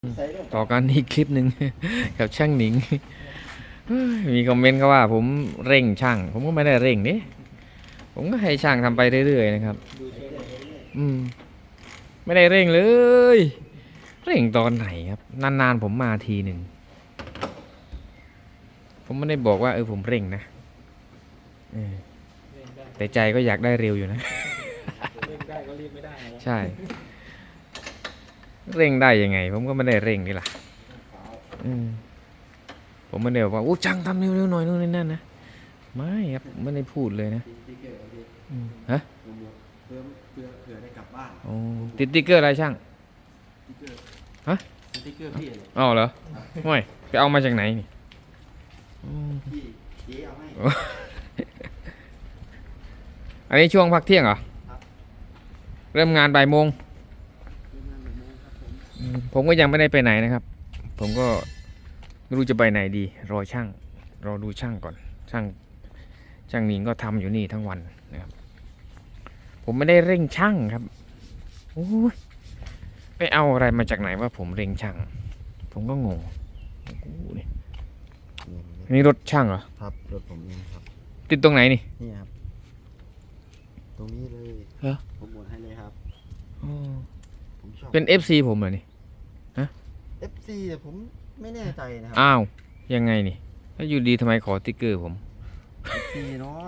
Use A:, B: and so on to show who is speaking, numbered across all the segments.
A: ต่อกันอีกคลิปหนึ่ง กับช่างหนิง มีคอมเมนต์เขาว่าผมเร่งช่าง ผมก็ไม่ได้เร่งนี่ผมก็ให้ช่างทำไปเรื่อยๆนะครับไม่ได้เร่งเลย เร่งตอนไหนครับนานๆผมมาทีหนึ่งผมไม่ได้บอกว่าผมเร่งนะแต่ใจก็อยากได้เร็วอยู่นะ
B: เร่งได้ก็รีบไม่ได้นะ
A: ใช่ เร่งได้ยังไง ผมก็ไม่ได้เร่งนี่แหละผมไม่ได้บอกว่าโอ้ช่างทำเร็วๆหน่อยนู่นนี่นั่นนะไม่ครับไม่ได้พูดเลยนะฮะ
B: เผื่อได้กลับบ้าน
A: โอ้ติดติ๊กเกอร์อะไรช่าง
B: ติ๊กเกอร์
A: ฮะ
B: ติ๊กเกอร์พี่เลย
A: อ๋อเหรอไม่ไปเอามาจากไหนนี่
B: พี่เจ๊เอาให้
A: อันนี้ช่วงพักเที่ยงเหรอ
B: ครับ
A: เริ่มงานบ่ายโมง
B: ทีมงานแบบนี้ครับผม
A: ผมก็ยังไม่ได้ไปไหนนะครับ ผมก็ไม่รู้จะไปไหนดี รอช่าง รอดูช่างก่อน ช่างนิงก็ทำอยู่นี่ทั้งวันนะครับ ผมไม่ได้เร่งช่างครับโอ้ยไปเอาอะไรมาจากไหนว่าผมเร่งช่าง ผมก็งงนี่รถช่างเหรอ
B: ครับรถผมเองครับ
A: ติดตรงไหนนี่
B: นี่ครับตรงนี้เลย
A: เหรอ
B: ผมหมดให้เลยครับผมชอบ
A: เป็น FC ผมเหรอนี่
B: FC แต่ผมไม่แน่ใจนะครั
A: อ้าว ยังไงนี่แล้วอยู่ดีทำไมขอติ๊กเกอร์ผม
B: FC เนาะ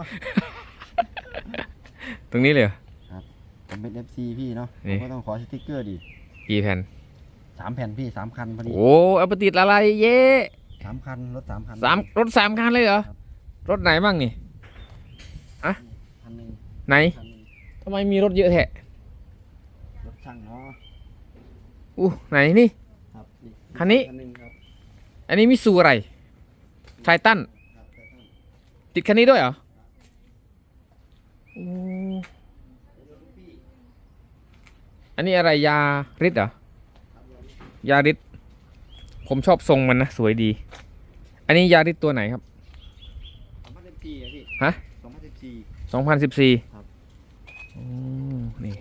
A: ตรงนี้เลยเหรอ
B: ผมเป็น FC พี่เนาะผ
A: นี่
B: มก็ต้องขอสติ๊กเกอร์ดิ
A: กี่แผ่น
B: 3 แผ่นพี่3 คันพอดี
A: โอ้เอาไปติดอะไรเย่
B: 3 คันรถ3 คัน
A: รถ3 คันเลยเหรอ
B: ครับ
A: รถไหนบ้างนี่
B: คันหนึ่ง
A: ไหน
B: คันหนึ่ง
A: ทำไมมีรถเยอะแท้
B: รถช่างเนาะ
A: ไหนนี่
B: ครับ
A: คันนี้
B: คันหนึ่งครับ
A: อันนี้มิซูอะไร ไททัน
B: ครับแต่ต้อง
A: ติดคันนี้ด้วยเหรอโอ้อันนี้อะไรยาริดเหรอ ยาริดผมชอบทรงมันนะ สวยดี อันนี้ยาริดตัวไหนครับ
B: 2014อะพี่
A: ฮะ
B: 2014
A: 2014
B: ครับ
A: โอ้นี่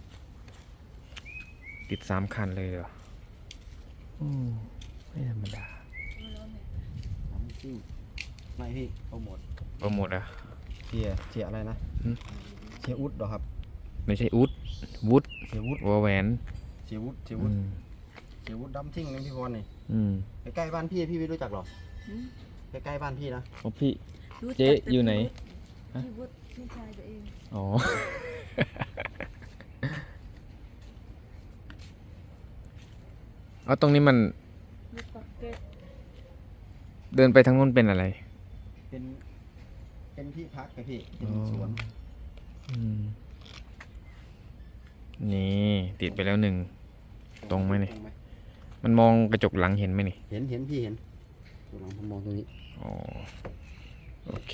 A: ติด3 คันเลยเหรอไม่ธรรมดา
B: 2014ไม่พี่โปรโมท
A: โปรโมทอะ
B: เสียอะไรนะ
A: หืม
B: เสียอุดเหรอครับ
A: ไม่ใช่อุดวุฒ
B: เสียวุด
A: วอแหวน
B: เสียวุดเสีย
A: อื
B: วุด
A: ม
B: เสียวุดดัมทิ้งนี่พี่พรนี่
A: อืม
B: ใกล้ๆบ้านพี่ไม่รู้จักหรอใกล้ๆบ้านพี่นะ
A: โอ้พี่
C: รู้จัก
A: เจ๊อยู่ไหน ฮะ
C: พี่วุฒิพี่ชายตัวเอง
A: อ๋อ เอาตรงนี้มัน
C: ลูกปักเก็ต
A: เดินไปทางนู้นเป็นอะไร
B: เป็นที่พักไงพี่เป็นสวน
A: อืมนี่ติดไปแล้ว1 ตรงไหมนี่ มันมองกระจกหลังเห็นไหมนี่
B: เห็นพี่เห็นตัวหลังผมมองตรงนี้
A: อ๋อ โอเค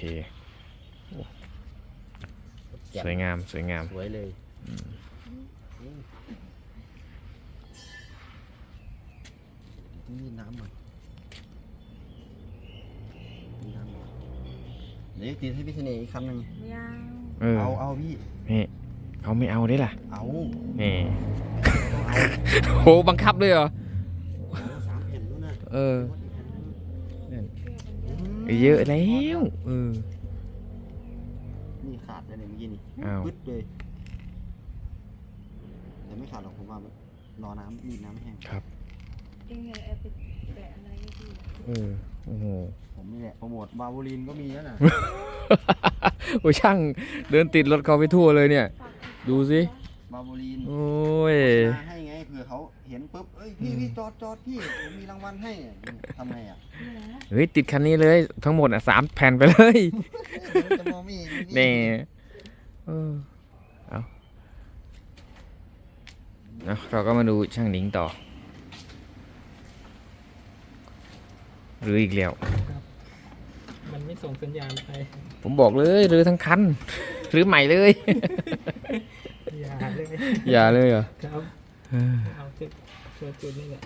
A: สวยงามสวยงาม
B: สวยเลยต้องมีน้ำหน่อยมีน้ำหน่อยเดี๋ยวตีให้พี่เสน่ห์อีกคำหนึ่ง
C: ไม่เอา
B: เอาพี่
A: นี่เขาไม่เอาได้ล่ะ
B: เอา
A: นี่
B: เอา
A: โหบังคับเลยเหรอ
B: 3 แผ่นนู้นนะ
A: เออ
B: อืม
A: เยอะแล้ว
B: นี่ขาดไปเลยเมื่อกี้นี่
A: อ้าว
B: ปึ๊ดเลยแต่ไม่ขาดหรอกผมว่าแบบรอน้ำรีดน้ำให้แห้ง
A: ครับ
C: เองไงแอบไปแปะอะไรให้พี่
A: โอ้โห
B: ผมนี่แหละโปรโมทบาวูลินก็มีแล้วนะ
A: โอ้ช่างเดินติดรถเขาไปทั่วเลยเนี่ย ดูสิ
B: บาวูลิน
A: โอ้ย
B: มาให้ไงเผื่อเขาเห็นปุ๊บเอ้ยพี่จอดพี่ผมมีรางวัลให้ทำไงอ่ะ
C: นี่นะ
A: เฮ้ยติดคันนี้เลยทั้งหมด3 แผ่นไปเลย
B: จะมองไม่เห็น
A: นี่เอาเราก็มาดูช่างหนิงต่อหรืออีกแล้ว
D: มันไม่ส่งสัญญาณไป
A: ผมบอกเลยหรือทั้งคันหรือใหม่เลย
D: อย่าเลย
A: อย่าเลยเหรอ
D: ครับเอาจุดนี่แหละ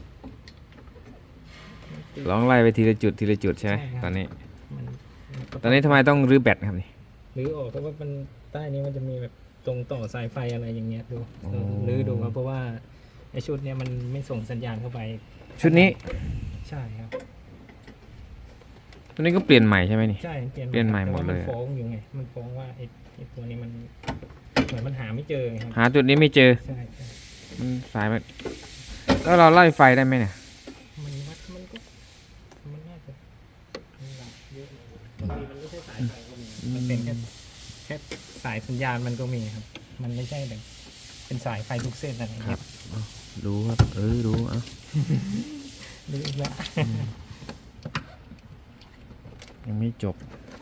A: ลองไล่ไปทีละจุดทีละจุดใช่ไหม
D: ใช่ครับ
A: ตอนนี้
D: มันก็
A: ตอนนี้ทำไมต้องรื้อแบตครับนี่
D: หรือออกเพราะว่ามันใต้นี้มันจะมีแบบตรงต่อสายไฟอะไรอย่างเงี้ยดู
A: อ๋อ
D: หรือดูครับเพราะว่าไอชุดเนี้ยมันไม่ส่งสัญญาณเข้าไป
A: ชุดนี้
D: ใช่ครับ
A: ชุดนี้ก็เปลี่ยนใหม่ใช่ไหมนี่
D: ใช่เปลี่ยน
A: เปลี่ยนใหม่หมดเลย
D: แต่ว่ามันฟ้องอยู่ไงมันฟ้องว่าไอ้ตัวนี้มันเหมือนมันหาไม่เจอไงครับ
A: หาจุดนี้ไม่เจอ
D: ใช่ใช่
A: มันสายมันแล้วเราไล่ไฟได้ไหมเนี่ย
D: มันวัดมันก็มันน่าจะมีหลักเยอะบางทีมันไม่ใช่สายไฟก็มีมันเป็นแค่สายสัญญาณมันก็มีครับ มันไม่ใช่แบบเป็นสายไฟทุกเส้นอะไรอย่าง
A: ครั
D: เงี้
A: บ
D: ย
A: รู้ครับ รู้อ่ะ
D: รู้อีกแล้ว
A: ยังไม่จบ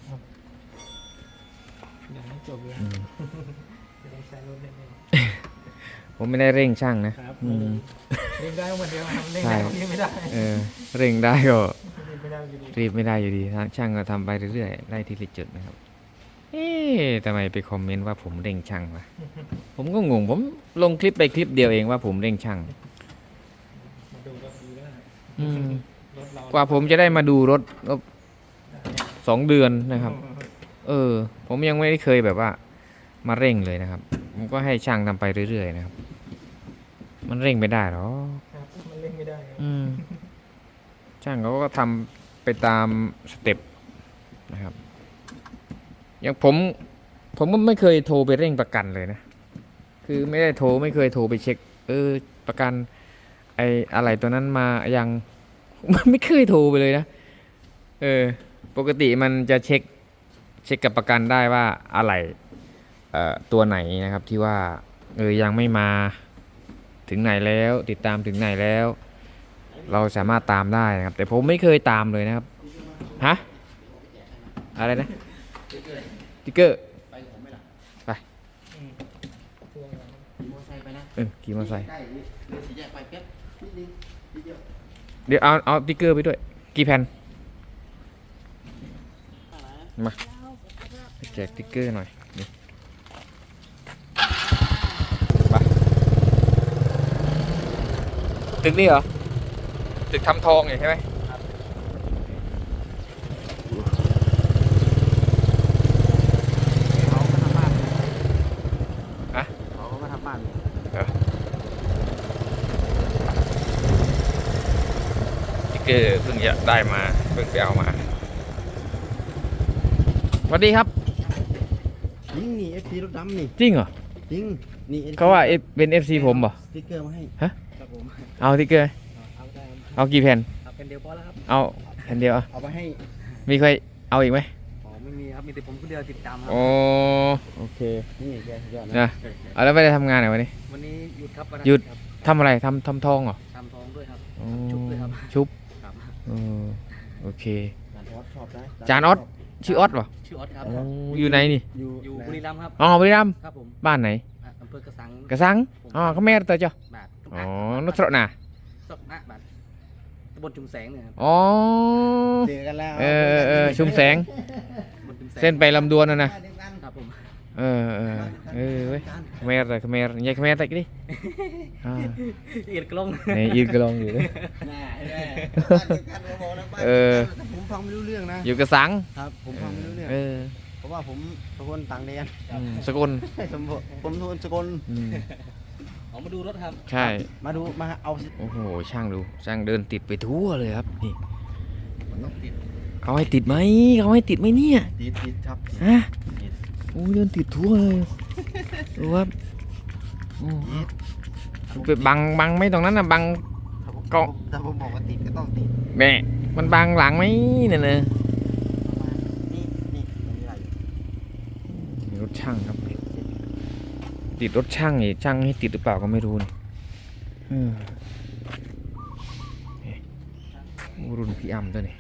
D: ยังไม่จบเลย
A: อืม
D: จะต้องใช้รถเล่น
A: ผมไม่ได้เร่งช่างนะ
D: ครับ
A: อืม
D: เล่นได้เหมือนเดิมครับเล่น
A: ใช่
D: ได้เล่นไม่ได้
A: เร่งได้ก็
D: เล่นไม่ได้อยู่ดี
A: รีบไม่ได้อยู่ดีช่างก็ทำไปเรื่อยๆไล่ทีละจุดนะครับ เอ๊ะทำไมไปคอมเมนต์ว่าผมเร่งช่างวะผมก็งงผมลงคลิปไปคลิปเดียวเองว่าผมเร่งช่าง
D: มาดูก็ดีแล้ว
A: อืม
D: รถเรา
A: กว่าผมจะได้มาดูรถก็2 เดือนนะครับ ผมยังไม่ได้เคยแบบว่า มาเร่งเลยนะครับ ผมก็ให้ช่างทำไปเรื่อยๆนะครับ มันเร่งไม่ได้หรอก
D: ครับมันเล่นไม่ได้ครับ
A: อืมช่างเขาก็ทำไปตามสเต็ปนะครับ อย่างผมก็ไม่เคยโทรไปเร่งประกันเลยนะ คือไม่เคยโทรไปเช็ค ประกันไอ้อะไรตัวนั้นมายัง มันไม่เคยโทรไปเลยนะ ปกติมันจะเช็คกับประกันได้ว่าอะไรตัวไหนนะครับที่ว่ายังไม่มาถึงไหนแล้ว ติดตามถึงไหนแล้ว เราสามารถตามได้นะครับ แต่ผมไม่เคยตามเลยนะครับฮะอะไรนะติ๊กเกอร์
B: ไปผมไหมล่ะ
A: ไป
D: ตัวเรา
B: ขี่มอเตอร์ไซค์ไปนะ
A: ขี่มอเตอร์ไซค์
B: ใกล้นี่เดินสี่แยกไปแป๊บนิดนึงนิดเดียว
A: เดี๋ยวเอาติ๊กเกอร์ไปด้วย กี่แผ่นมาแจกติ๊กเกอร์หน่อยนี่ไปตึกนี้เหรอตึกทำทองใช่ไหม
B: เขาก็ทำบ้าน
A: ฮะ
B: เขาก็ทำบ้าน
A: ติ๊กเกอร์เพิ่งจะได้มาเพิ่งไปเอามาสวัสดีครับ
B: จริงนี่ FC รถดำนี่
A: จริงเหรอ
B: จริงนี่ FC
A: เขาว่าเป็น FC ผมเหรอ
B: สติ๊กเกอร์มาให้
D: ครับผม
A: เอาติ๊กเกอร์
D: เอาได้
A: เอากี่แผ่น
D: เอาเป็นเดียวพอแล้วครับ
A: เอาแผ่นเดียวเอา
B: เอาไปให้
A: มีใครเอาอีกไหม
D: อ๋อไม่มีครับมีแต่ผมคนเดียวติดตามครั
A: อ๋อโอเค
B: นี่แกสุดยอด
A: นะ
B: นะ
A: เอาแล้วไม่ได้ทำงานเหรอวันนี้
D: วันนี้หยุดครับวัน
A: หยุด
D: ครับ
A: ทำอะไรทำทองเหรอ
D: ทำทองด้วยครับ
A: อ๋อ
D: ชุบด้วยครับ
A: ชุบ
D: ครับ
A: เออโอเค
B: จานออสชอบนะ
A: จานออส ชื่อออสเหรอ
D: ชื่อออสครับ
A: อ๋ออยู่ไหนนี่
D: อยู่บุรีรัมย์ครับ
A: อ๋อบุรีรัมย์
D: ครับผม
A: บ้านไหน
D: อำเภอกระสัง
A: กระสังอ๋อเขาแม่ตัวเจ้า
D: บาท
A: อ๋อนตรนา
D: สกนะบาทตำบลชุมแสงเนี่ยครับ
A: อ๋อ
B: เจอกันแล้ว
A: ชุมแสง
D: ตำบลชุมแสง
A: เส้นไปลำดวนนะ
B: เดียวกัน
D: ครับผม
A: เว้ยเขมรแต่เขมรยายเขมรแต่กี่ดิอ่า
D: เอียดกล้อง
A: นี่ยืนกระลองอยู่เลย
B: น่าเห็นไหมบ้านเดียวกันมาบอกนะบ้าน
A: เอ
B: เดียว
A: อ
B: กันแต่ผมฟังไม่รู้เรื่องนะ
A: อยู่กระสัง
B: ครับ ผมฟังไม่รู้เรื่อง เพราะว่าผมเป็นคนต่างแดน
A: สกล
B: ผมเป็นคนสกล
A: อืม
D: ออกมาดูรถครับ
A: ใช่
B: มาดูมาเอา
A: โอ้โหช่างดูช่างเดินติดไปทั่วเลยครับนี่
B: มันต้องติด
A: เขาให้ติดไหมเนี่ย
B: ติดครับ
A: ฮะโอ้ยเดินติดทั่วเลยดูครับโอ้
B: ติด
A: ไปบังไม่ตรงนั้นนะบัง ก็
B: ถ้าผมบอกว่าติดก็ต้องติด
A: แม่มันบังหลังไหมเนี่ยนะ
B: ประมาณนี่ตรงนี้อะไร
A: มีรถช่างครับ ติดรถช่างนี่ช่างให้ติดหรือเปล่าก็ไม่รู้นี่โอ้รุ่นพี่อ้ำตัวนี้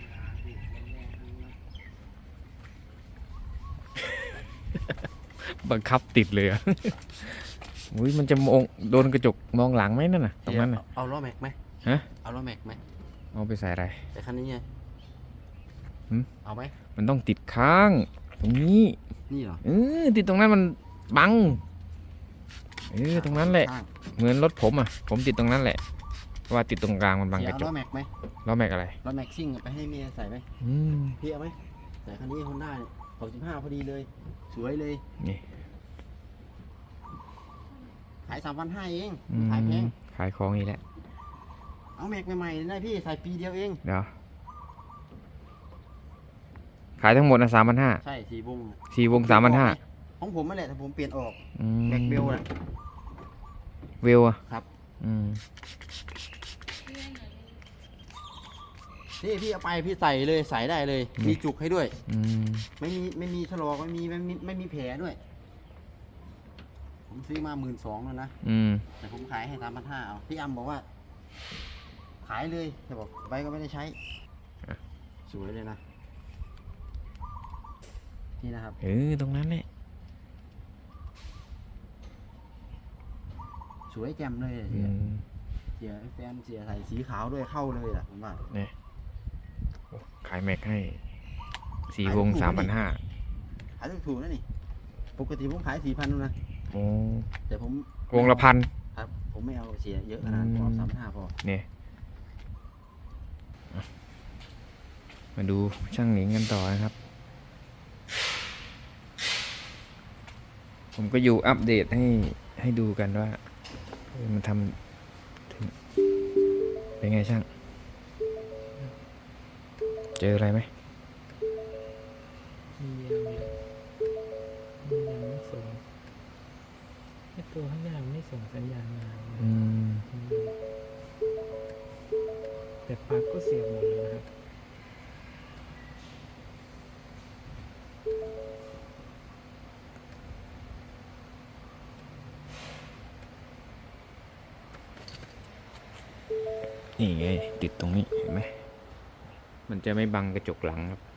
A: บังคับติดเลยอ่ะ อุ้ยมันจะมองโดนกระจกมองหลังไหมนั่นน่ะตรงนั้นน่ะ
B: เอาล้อแม็กไหม
A: ฮะ
B: เอาล้อแม็กไหม
A: เอาไปใส่อะไร
B: แต่คันนี้ไง
A: หืม
B: เอาไหม
A: มันต้องติดข้าง ตรงนี้
B: นี่เหรอ
A: ติดตรงนั้นมันบังตรงนั้นแหละ
B: ข้าง
A: เหมือนรถผมอ่ะ ผมติดตรงนั้นแหละเพราะว่าติดตรงกลางมันบังก
B: เสีย
A: ระ
B: เอา
A: จ
B: ล้อก แม็กไหม
A: ล้อแม็กอะไร
B: ล้อแม็กซิ่งไปให้เมียใส่ไหม
A: อืม
B: พี่เอาไหมแต่คันนี้ฮอนด้า65พอดีเลย สวยเลย
A: นี่
B: ขาย3,500เอง
A: อืม
B: ขายแพง
A: ขายของอีกแล้ว
B: เอาเอาแม็กใหม่ๆเลยนะพี่ใส่ปีเดียวเอง
A: เดี๋ยวขายทั้งหมดนะ3,500
B: ใช่4 วง
A: 4 วง 3,500
B: ของผมนั่นแหละแต่ผมเปลี่ยนออก
A: อืม
B: แม็กเบลน่ะ
A: เวลอะ
B: ครับ
A: อืม
B: นี่พี่เอาไปพี่ใส่เลยใส่ได้เลย มีจุกให้ด้วย
A: อืม
B: ไม่มีถลอกไม่มีแผลด้วย ผมซื้อมา12,000แล้วนะ
A: อืม
B: แต่ผมขายให้3,500เอาพี่อัมบอกว่า ขายเลยแต่บอกไว้ก็ไม่ได้ใช้ สวยเลยนะ นี่นะครับ
A: ตรงนั้นแหละ
B: สวยแจ่มเลย
A: อืม
B: เสียแฟนเสียใส่สีขาวด้วยเข้าเลยแหละผมว่า
A: เนี่ยโอ้ขายแม็กให้4 วง 3,500
B: ขายถูกๆนะนี่ ปกติผมขาย4,000นู่นนะ
A: โอ้
B: แต่ผม
A: วงละพัน
B: ครับ ผมไม่เอาเสียเยอะขนาดนั้นพอ
A: อืม
B: 3,500พอ
A: เนี่ยมาดูช่างหนิงกันต่อนะครับ ผมก็อยู่อัปเดตให้ดูกันว่ามันทำถึงเป็นไงช่าง เจออะไรไหม
D: มียังไม่ส่งไอ้ตัวข้างหน้าไม่ส่งสัญญาณมา
A: อืม
D: แต่ปลั๊กก็เสียบหมดเลยนะครับ
A: นี่ไงติดตรงนี้เห็นไหม มันจะไม่บังกระจกหลังครับ